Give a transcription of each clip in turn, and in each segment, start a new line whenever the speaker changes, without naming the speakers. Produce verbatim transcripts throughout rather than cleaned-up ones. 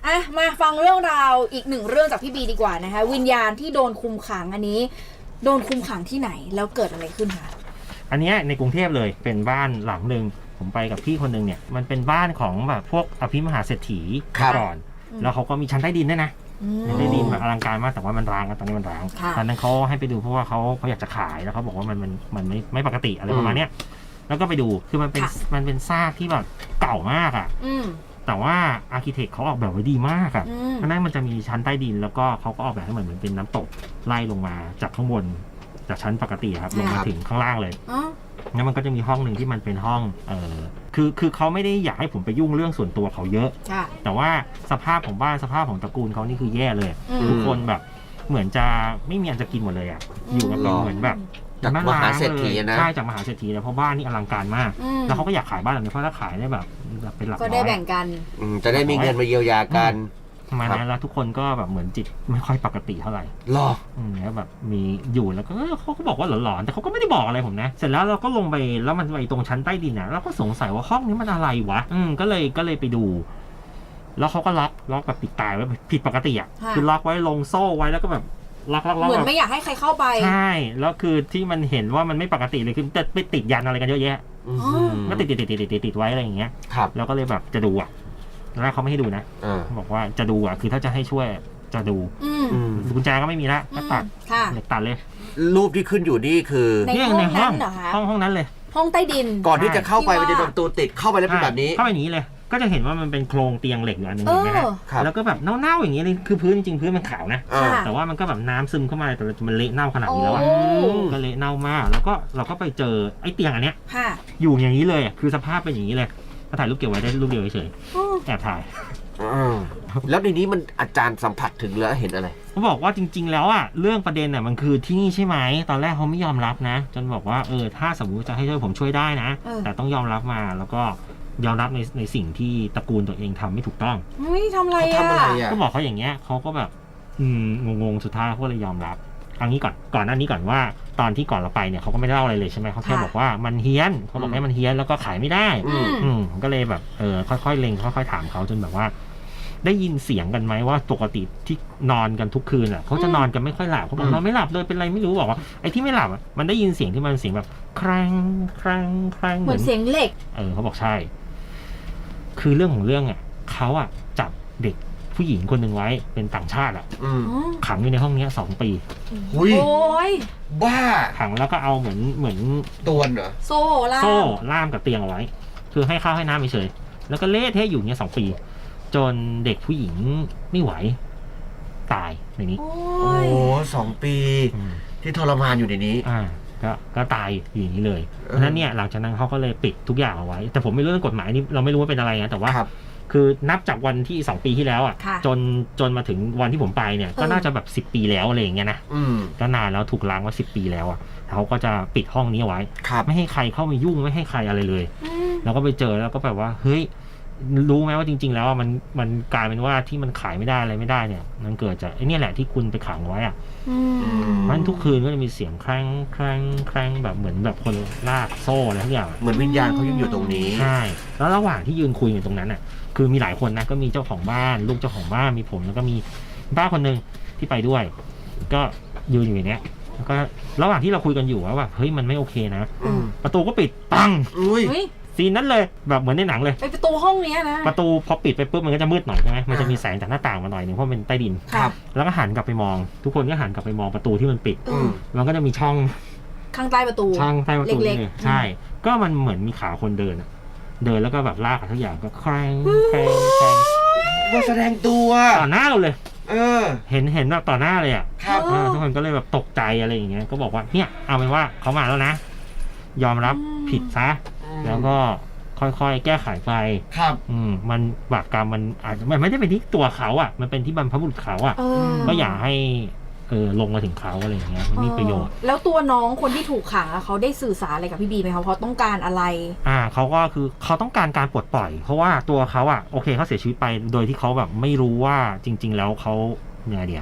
อ่ะมาฟังเรื่องราวอีกหนึ่งเรื่องจากพี่บีดีกว่านะคะวิญญาณที่โดนคุมขังอันนี้โดนคุมขังที่ไหนแล้วเกิดอะไรขึ้นคะ
อันนี้ในกรุงเทพเลยเป็นบ้านหลังหนึ่งผมไปกับพี่คนนึงเนี่ยมันเป็นบ้านของแบบพวกอภิมหาเศรษฐีก่อนแล้วเขาก็มีชั้นใต้ดินด้วยนะชั้นใต้ดินแบบอลังการมากแต่ว่ามันร้างตอนนี้มันร้างตอนนั้นเขาให้ไปดูเพราะว่าเขาเขาอยากจะขายแล้วเขาบอกว่ามันมันมันไม่ไม่ปกติอะไรประมาณเนี้ยแล้วก็ไปดูคือมันเป็นมันเป็นซากที่แบบเก่ามากอ่ะแต่ว่าอาร์คิเทคเขาออกแบบไว้ดีมากอ่ะเพราะนั้นมันจะมีชั้นใต้ดินแล้วก็เขาก็ออกแบบให้เหมือนเหมือนเป็นน้ำตกไล่ลงมาจากข้างบนจากชั้นปกติครับลงมาถึงข้างล่างเลยแล้วมันก็จะมีห้องหนึ่งที่มันเป็นห้องเออคือคือเขาไม่ได้อยากให้ผมไปยุ่งเรื่องส่วนตัวเขาเยอะแต่ว่าสภาพของบ้านสภาพของตระกูลเขานี่คือแย่เลยทุกคนแบบเหมือนจะไม่มีอันจะกินหมดเลยอ่ะอยู่กันเหมือนแบบ
จากมหาเศรษฐีนะ
ใช่จากมหาเศรษฐีเลยเพราะบ้านนี่อลังการมากแล้วเขาก็อยากขายบ้านหลังนี้เพราะถ้าขายได้แบบเป็นหลักร้อย
ก็ได้แบ่งกัน
จะได้มีเงินมาเยียวยากัน
ทำไมนะแล้วทุกคนก็แบบเหมือนจิตไม่ค่อยปกติเท่าไหร่
หรอ
อืมแล้วแบบมีอยู่แล้วก็เขาก็บอกว่าหลอนๆแต่เขาก็ไม่ได้บอกอะไรผมนะเสร็จแล้วเราก็ลงไปแล้วมันไปตรงชั้นใต้ดินนะเราก็สงสัยว่าห้องนี้มันอะไรวะอืมก็เลยก็เลยไปดูแล้วเขาก็ล็อกล็อกแบบปิดตายไว้ผิดปกติอ่ะคือล็อกไว้ลงโซ่ไว้แล้วก็แบบล็อกล็อกล็อก
เหมือนไม่อยากให้ใครเข้าไป
ใช่แล้วคือที่มันเห็นว่ามันไม่ปกติเลยคือจะไปติดยันอะไรกันเยอะแยะก็ติดติดติดติดติดติดไว้อะไรอย่างเงี้ยแล้วก็เลยแบบจะดูอ่ะแล้วเขาไม่ให้ดูนะบอกว่าจะดูอ่ะคือถ้าจะให้ช่วยจะดูกุญแจก็ไม่มีละก็ตัดเด็กตัดเลย
รูปที่ขึ้นอยู่นี่คือ
ในห้อง
ห้องห้องนั้นเลย
ห้องใต้ดิน
ก่อนที่จะเข้าไปมันจะโดนตัวติดเข้าไปแล้วเป็นแบบนี้
เข้าไปอย่างนี้เลยก็จะเห็นว่ามันเป็นโครงเตียงเหล็กอยู่อันนึงเห็นไหมครับแล้วก็แบบเน่าๆอย่างนี้เลยคือพื้นจริงๆพื้นมันขาวนะแต่ว่ามันก็แบบน้ำซึมเข้ามาแต่มันเละเน่าขนาดนี้แล้วอ่ะก็เละเน่ามากแล้วก็เราก็ไปเจอไอ้เตียงอันเนี้ยอยู่อย่างนี้เลยคือสภาพเป็นอย่างนี้เลยก็ถ่ายรูปเก็บไว้ได้รูปเดียวเฉยแอบถ่าย
แล้วในนี้มันอาจารย์สัมผัสถึงแล้วเห็นอะไร
เขาบอกว่าจริงๆแล้วอ่ะเรื่องประเด็นอ่ะมันคือที่นี่ใช่ไหมตอนแรกเขาไม่ยอมรับนะจนบอกว่าเออถ้าสมมติจะให้ช่วยผมช่วยได้นะแต่ต้องยอมรับมาแล้วก็ยอมรับในในสิ่งที่ตระกูลตัวเองทำไม่ถูกต้อง
ไม่ทำอะไรอ่ะ
ก็บอกเขาอย่างเงี้ยเขาก็แบบอืมงงๆสุดท้ายเขาเลยยอมรับอันนี้ก่อนก่อนหน้านี้ก่อนว่าตอนที่ก่อนเราไปเนี่ยเขาก็ไม่ได้เล่าอะไรเลยใช่ไหมเขาแค่บอกว่ามันเฮี้ยนเขาบอกให้มันเฮี้ยนแล้วก็ขายไม่ได้อืมก็เลยแบบเออค่อยๆเล็งค่อยๆถามเขาจนแบบว่าได้ยินเสียงกันไหมว่าปกติที่นอนกันทุกคืนอ่ะเขาจะนอนกันไม่ค่อยหลับเขาบอกนอนไม่หลับเลยเป็นไรไม่รู้บอกว่าไอ้ที่ไม่หลับอ่ะมันได้ยินเสียงที่มันเสียงแบบครังครังครัง
เหมือนเสียงเหล็ก
เออเขาบอกใช่คือเรื่องของเรื่องอ่ะเขาอ่ะจับเด็กผู้หญิงคนหนึ่งไว้เป็นต่างชาติอ่ะขังอยู่ในห้องนี้สองปี
โอ้ยบ้า
ขังแล้วก็เอาเหมือนเหมือน
ตัวเหรอ
โซ่ล่าม
โซ่ล่ามกับเตียงเอาไว้คือให้ข้าวให้น้ำเฉยแล้วก็เละเทะอยู่เนี้ยสองปีจนเด็กผู้หญิงไม่ไหวตายในนี้
โอ้สองปีที่ทรมานอยู่ในนี้
อ่าก็ก็ตายอย่างนี้เลยเพราะนั้นเนี่ยหลังจากนั้นเขาก็เลยปิดทุกอย่างเอาไว้แต่ผมไม่รู้เรื่องกฎหมายนี่เราไม่รู้ว่าเป็นอะไรนะแต่ว่าคือนับจากวันที่สองปีที่แล้วอ่ะจนจนมาถึงวันที่ผมไปเนี่ยก็น่าจะแบบสิบปีแล้วอะไรอย่างเงี้ยนะก็นานแล้วถูกล้างว่าสิบปีแล้วอ่ะเขาก็จะปิดห้องนี้เอาไว้ไม่ให้ใครเข้ามายุ่งไม่ให้ใครอะไรเลยแล้วก็ไปเจอแล้วก็แบบว่าเฮ้ยรู้ไหมว่าจริงๆแล้วมันมันกลายเป็นว่าที่มันขายไม่ได้อะไรไม่ได้เนี่ยมันเกิดจากไอ้นี่แหละที่คุณไปขังไว้อ่ะเพราะฉะนั้นทุกคืนก็จะมีเสียงแคร่งแคร่งแคร่งแบบเหมือนแบบคนลากโซ่อะไรทุกอย่าง
เหมือนวิญญาณเขายังอยู่ตรงนี้
ใช่แล้วระหว่างที่ยืนคุยอยู่ตรงนั้นอ่ะคือมีหลายคนนะก็มีเจ้าของบ้านลูกเจ้าของบ้านมีผมแล้วก็มีป้าคนนึงที่ไปด้วยก็ยืนอยู่อย่างเนี้ยแล้วก็ระหว่างที่เราคุยกันอยู่ว่าแบบเฮ้ยมันไม่โอเคนะประตูก็ปิดปังซีนนั้นเลยแบบเหมือนในหนังเลย
ไปประตูห้องนี้นะ
ประตูพอปิดไปปุ๊บมันก็จะมืดหน่อยใช่ไหมมันจะมีแสงจากหน้าต่างมาหน่อยหนึ่งเพราะเป็นใต้ดินแล้วก็หันกลับไปมองทุกคนก็หันกลับไปมองประตูที่มันปิดมันก็จะมีช่อง
ข้างใต้ประตู
ช่องใต้ประตูนี่ใช่ก็มันเหมือนมีขาคนเดินเดินแล้วก็แบบลากทุกอย่างก็แคร่งแคร่งแคร่ง
มาแสดงตัว
ต่อหน้าเราเลย
เออ
เห็นเห็นแบบต่อหน้าเลยอ่ะทุกคนก็เลยแบบตกใจอะไรอย่างเงี้ยก็บอกว่าเนี่ยเอาเป็นว่าเขามาแล้วนะยอมรับผิดซะแล้วก็ค่อยๆแก้ไขไป
ครับ
อืมมันบาปกรรมมันอาจจะมันไม่ได้เป็นที่ตัวเขาอ่ะมันเป็นที่บรรพบุรุษเขาอ่ะก็อย่าให้เออลงมาถึงเขาอะไรอย่างเงี้ยมันมีประโยชน์
แล้วตัวน้องคนที่ถูกขังเขาได้สื่อสารอะไรกับพี่บีไหมเขาเขาต้องการอะไร
อ่าเขาก็คือเขาต้องการการปลดปล่อยเพราะว่าตัวเขาอ่ะโอเคเขาเสียชีวิตไปโดยที่เขาแบบไม่รู้ว่าจริงๆแล้วเขาเนี่ยเดียว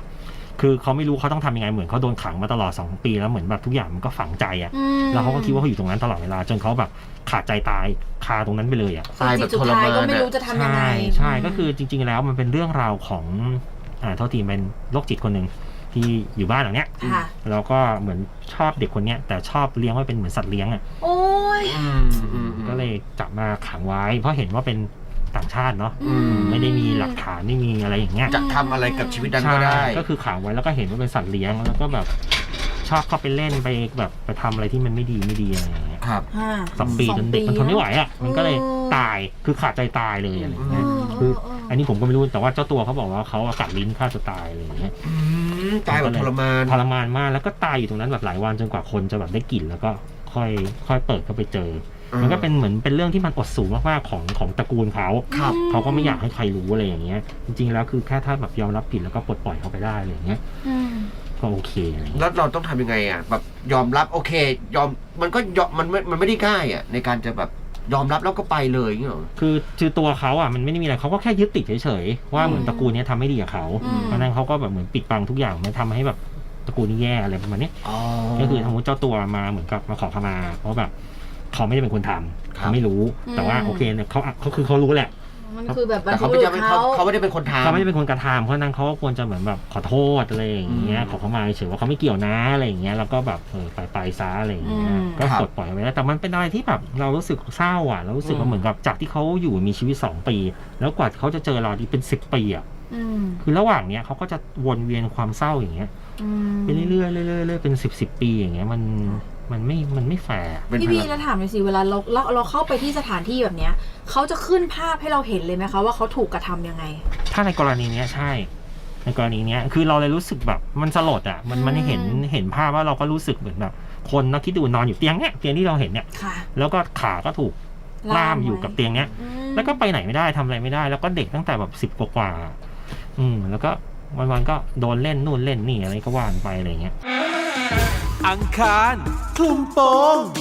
คือเขาไม่รู้เขาต้องทำยังไงเหมือนเขาโดนขังมาตลอดสองปีแล้วเหมือนแบบทุกอย่างมันก็ฝังใจอ่ะ
อืม
แล้วเขาก็คิดว่าเขาอยู่ตรงนั้นตลอดเวลาจนเขาแบบขาดใจตายคาตรงนั้นไปเลยอ่ะ
ตายแบบ
สุด
ทร
ท้าย
มาน
ก็ไม่
อะ
รู้จะทำยังไง
ใช่ใช่ก็คือจริง ๆ แล้วมันเป็นเรื่องราวของอ่าเท่าทีเป็นโรคจิตคนหนึ่งที่อยู่บ้านหลังเนี้ย
ค่ะ
แล้วก็เหมือนชอบเด็กคนเนี้ยแต่ชอบเลี้ยงไว้เป็นเหมือนสัตว์เลี้ยงอ่ะ
โอ้ย
อืมอืมอืม
ก็เลยจับมาขังไว้ เพราะเห็นว่าเป็นต่างชาติเนาะ
อืม
ไม่ได้มีหลักฐานไม่มีอะไรอย่างเงี้ย
จะทำอะไรกับชีวิตนั้นก็
ใช่
ได้
ก็คือขังไว้แล้วก็เห็นว่าเป็นสัตว์เลี้ยงแล้วก็แบบชอบเข้าไปเล่นไปแบบไปทำอะไรที่มันไม่ดีไม่ดีอะไรอย่างเงี้ย
ครับ
ห้า
สองปีจนเด็กมันทนไม่ไหวอ่ะมันก็เลย
เออ
ตายคือขาดใจตายเลยอะไรอย่างเงี้ย
เออ
คือ
เออ
อันนี้ผมก็ไม่รู้แต่ว่าเจ้าตัวเขาบอกว่าเขากัดลิ้นฆ่าตัวตายอะไรอย่างเงี้ย
อืมตายแบบทรมาน
ทรมานมากแล้วก็ตายอยู่ตรงนั้นแบบหลายวันจนกว่าคนจะแบบได้กลิ่นแล้วก็ค่อยค่อยเปิดเข้าไปเจอ มันก็เป็นเหมือนเป็นเรื่องที่มันอดสูงมากๆของของตระกูลเขา
ครับ
เขาก็ไม่อยากให้ใครรู้อะไรอย่างเงี้ยจริงๆแล้วคือแค่ถ้าแบบยอมรับผิดแล้วก็ปลดปล่อยเขาไปได้อะไรอย่างเงี้ย
อืม
ก็โอเคอะไรอย่างเงี้ย
แล้วเราต้องทำยังไงอ่ะแบบยอมรับโอเค ยอมมันก็ยอมมันไม่มันไม่ได้ง่ายอ่ะในการจะแบบยอมรับแล้วก็ไปเลยอย่างเงี้ยหรอ
คือคือตัวเขาอ่ะมันไม่ได้มีอะไรเขาก็แค่ยึดติดเฉยๆว่าเหมือนตระกูลเนี้ยทำไม่ดีกับเขา
อืม
เพราะฉะนั้นเขาก็แบบเหมือนปิดบังทุกอย่างมันทำให้แบบตระกูลนี้แย่อะไรประมาณเนี้ย
อ๋อ
ก็คือสมมติเจ้าตัวมาเหมือนกับมาขอขมาเพราะแบบเขาไม่ได้เป็นคนทำ
ครับ
เขาไม่รู้ แต่ว่าโอเคเนี่ยเขาเขาคือเขารู้แหละ
มันคือแบบ
แต่เขาไม่
บร
ได้
รพบุ
เป็น
รุษ
เขา
เขา
เขาไม่ได้เป็นคนทำ
เขาไม่ได้เป็นคนกระทำเพราะฉะนั้นเขาก็ควรจะเหมือนแบบขอโทษอะไรอย่างเงี้ย
อืม
ขอเขามาเฉยว่าเขาไม่เกี่ยวนะอะไรอย่างเงี้ยแล้วก็แบบเออไปไปซะอะไรอย่างเงี้ย
อืม
ก็
ครับ
ปลดปล่อยไปแล้วแต่มันเป็นอะไรที่แบบเรารู้สึกเศร้าอ่ะเรารู้สึกว่าเหมือนกับจากที่เขาอยู่มีชีวิตสองปี แล้วกว่าเขาจะเจอเราที่เป็นสิบปีอ่ะ
อืม
คือระหว่างเนี้ยเขาก็จะวนเวียนความเศร้าอย่างเงี้ย
อืม
ไปเรื่อยๆเรื่อยๆเรื่อยๆเป็นสิบสิบปีอย่างเงี้ยมันมันไม่มันไม่แฟร์
เป็น
พี่
พ
บี
ลัง
แล้วถามหน่อยสิเวลาเราเราเราเข้าไปที่สถานที่แบบเนี้ยเขาจะขึ้นภาพให้เราเห็นเลยไหมคะว่าเขาถูกกระทำยังไง
ถ้าในกรณีเนี้ยใช่ ในกรณีเนี้ยคือเราเลยรู้สึกแบบมันสลดอ่ะมันมันเห็นเห็นภาพว่าเราก็รู้สึกเหมือนแบบคนนะคิดดูนอนอยู่เตียงเนี้ยเตียงที่เราเห็นเนี่ย
ค่ะ
แล้วก็ขาก็ถูกล่ามอยู่กับเตียงเนี้ย
อืม
แล้วก็ไปไหนไม่ได้ทำอะไรไม่ได้ แล้วก็เด็กตั้งแต่แบบสิบกว่าๆอืมแล้วก็วันๆก็โดนเล่นนู่นเล่นนี่อะไรก็ว่านไปอะไรเงี้ย
อังคารคลุมโปง